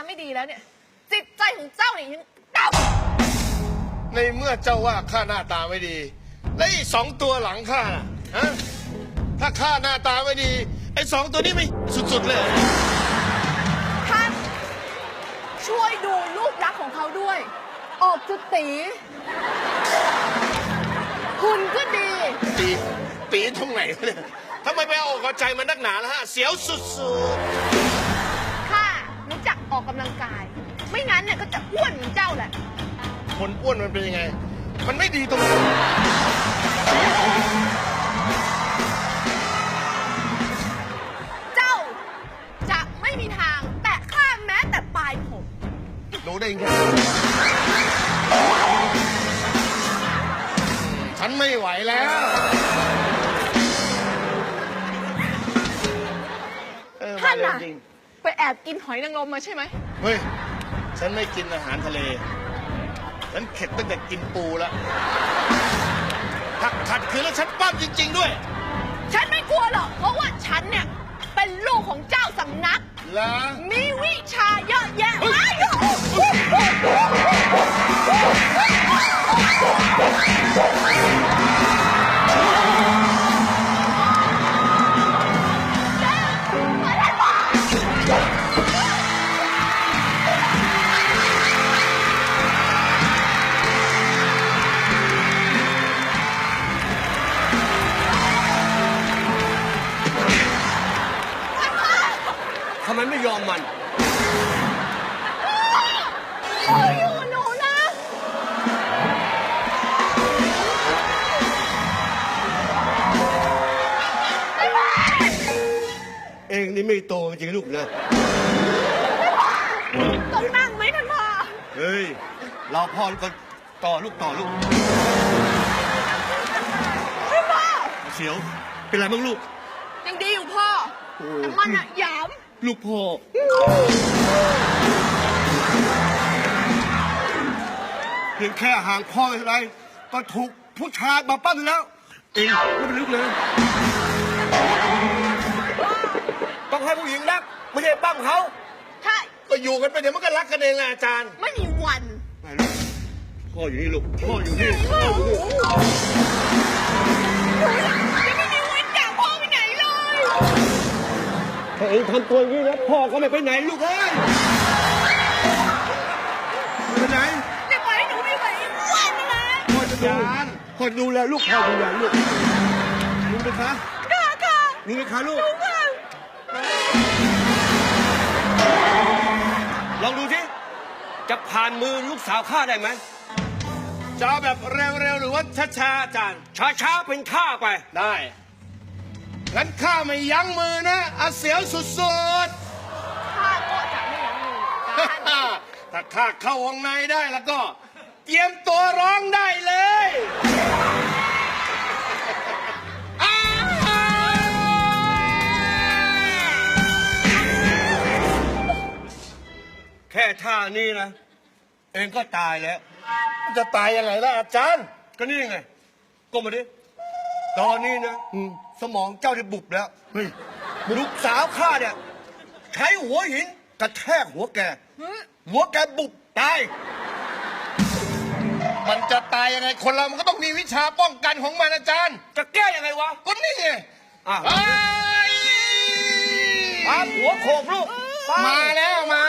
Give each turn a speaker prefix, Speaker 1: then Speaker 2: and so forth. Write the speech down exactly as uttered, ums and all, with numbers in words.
Speaker 1: ไม่ดีแล้วเนี่ยจิตใจของเจ้าเนี่ยยังต่ำ
Speaker 2: ในเมื่อเจ้าว่าข้าหน้าตาไม่ดีแล้วอีกสองตัวหลังข้าน่ะฮะถ้าข้าหน้าตาไม่ดีไอ้สองตัวนี้ไม่สุดๆเลย
Speaker 1: ท่านช่วยดูรูปลักษณ์ของเขาด้วย ออกจะตีคุณก็ดี
Speaker 2: ตีตีตรงไหนเนี่ยทำไมไปเอาอกเอาใจมันนักหนาล่ะฮะเสียวสุด
Speaker 1: ๆข้ารู้จักออกกำลังกายไม่งั้นเนี่ยก็จะอ้วนเหมือนเจ้าแหละ
Speaker 2: คนอ้วนมันเป็นยังไงมันไม่ดีตรงไหน
Speaker 1: เจ้าจะไม่มีทางแตะข้ามแม้แต่ปลายผม
Speaker 2: รู้ได้ยังไงฉันไม่ไหวแล้ว
Speaker 1: ท่านน่ะไปแอบกินหอยนางรมมาใช่ไหม
Speaker 2: เฮ้ยฉันไม่กินอาหารทะเลฉันเข็ดตั้งแต่กินปูแล้วถ้าขัดขืนแล้วฉันปั้มจริงๆด้วย
Speaker 1: ฉันไม่กลัวหรอกเพราะว่าฉันเนี่ยเป็นลูกของเจ้าสำนักมีวิชาเยอะแยะมาก
Speaker 2: ทำไมไม่ยอมมัน
Speaker 1: โอ้ยอยู่หนูนะ
Speaker 2: เองนี่ไม่โตจริงลูกนะ
Speaker 1: ต้องนั่งไหมท่านพ่อ
Speaker 2: เฮ้ยเราพ่อก็ต่อลูกต่อลูก
Speaker 1: ท่านพ่อ
Speaker 2: เสียวเป็นไรบ้างลูก
Speaker 1: ยังดีอยู่พ่อแต่มันอะหยาม
Speaker 2: ลูกพ่อเพียงแค่ห่างพ่อไม่เท่าไรก็ถูกผู้ชายมาปั้มแล้วเองไม่เป็นลึกเลยต้องให้ผู้หญิงรักไม่ใช่ปั้มเขา
Speaker 1: ใช่
Speaker 2: ก็อยู่กันไปเดี๋ยวมันก็รักกันเองแหละอาจารย์
Speaker 1: ไม่มีวัน
Speaker 2: ไม่ลูกพ่ออยู่นี่ลูกพ่ออยู่นี่พ่ออยู่นี่
Speaker 1: จะไม่มีวันจากพ่อไปไหนเลย
Speaker 2: ถ้าเองทำตัวอย่างนี้นะพ่อก็ไม่ไปไหนลูกเอ้ยไปไหน
Speaker 1: จะปล่อยให้หนูไปไหนอ้วนนะ
Speaker 2: พ่อจะดูพ่อดูแลลูกพ่อดูแลลูกรู้ไหมคะ
Speaker 1: ค่ะค่ะ
Speaker 2: รู้ไหมคะลูกลองดูสิจะผ่านมือลูกสาวข้าได้ไหมจะเอาแบบเร็วๆหรือว่าช้าๆอาจารย์ช้าๆเป็นข้าไปได้งั้นข้าไม่ยั้งมือนะอาเสียวสุด
Speaker 1: ๆข้าก็จะไม่ยั้งมือกัน
Speaker 2: ถ้าข้าเข้าวงในได้แล้วก็เตรียมตัวร้องได้เลยแค่ท่านี้นะเองก็ตายแล้วจะตายยังไงล่ะอาจารย์ก็นี่ไงก้มมาดิตอนนี้นะสมองเจ้าได้บุบแล้วลูกสาวข้าเนี่ยใช้หัวหินกระแทกหัวแกหัวแกบุบตายมันจะตายยังไงคนเรามันก็ต้องมีวิชาป้องกันของมันอาจารย์จะแก้ยังไงวะก็นี่ไงอ่ะหัวโขกลูกมาแล้วมา